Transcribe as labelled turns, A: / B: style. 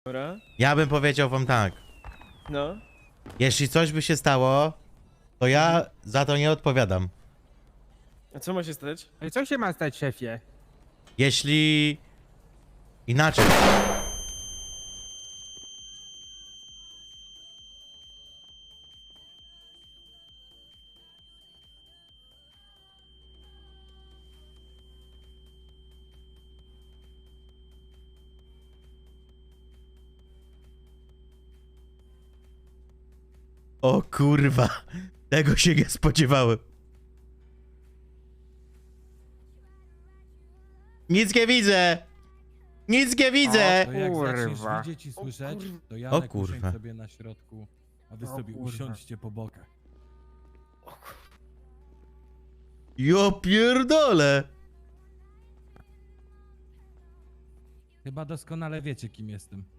A: Dobra.
B: Ja bym powiedział wam tak.
A: No.
B: Jeśli coś by się stało, to ja za to nie odpowiadam.
A: A co ma się stać?
C: Ale co się ma stać, szefie?
B: Jeśli... Inaczej. O kurwa, tego się nie spodziewałem. Nic nie widzę! Nic nie widzę!
D: To jak zaczniesz
C: Kurwa.
D: widzieć i słyszeć, to
B: O
D: Janek
B: kurwa.
D: usiądź sobie na środku, a wy
C: O
D: sobie
C: kurwa.
D: usiądźcie po bokach.
B: Jo pierdolę!
D: Chyba doskonale wiecie, kim jestem.